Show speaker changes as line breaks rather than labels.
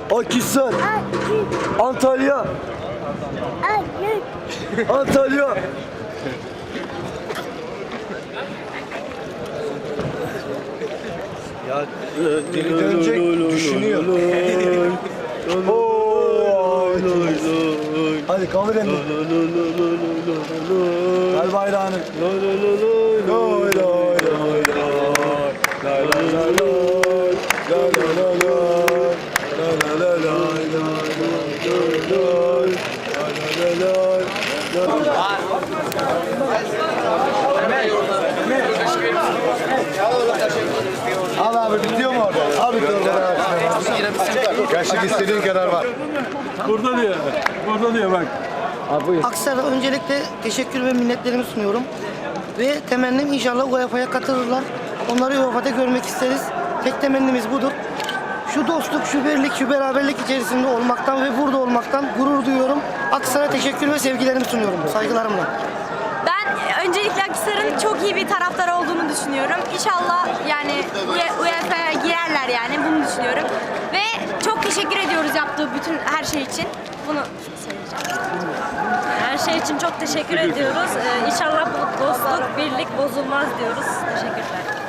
Akhisar, Antalya, Antalya. Ya geri dönecek, düşünüyor. Hadi kaldır elini. Ver bayrağını. Al abi, bitiyor mu orada? Abi gerçek istediğin kadar var. Burada diyor bak.
Akhisar'a öncelikle teşekkür ve minnetlerimi sunuyorum. Ve temennim inşallah UEFA'ya katılırlar. Onları UEFA'da görmek isteriz. Tek temennimiz budur. Şu dostluk, şu birlik, şu beraberlik içerisinde olmaktan ve burada olmaktan gurur duyuyorum. Akhisar'a teşekkür ve sevgilerimi sunuyorum. Saygılarımla.
Ben öncelikle Akhisar'ın çok iyi bir taraftar olduğunu düşünüyorum. İnşallah yani UEFA'ya girerler yani bunu düşünüyorum. Ve çok teşekkür ediyoruz yaptığı bütün her şey için. Bunu söyleyeceğim.
Her şey için çok teşekkür ediyoruz. İnşallah bu dostluk, birlik bozulmaz diyoruz. Teşekkürler.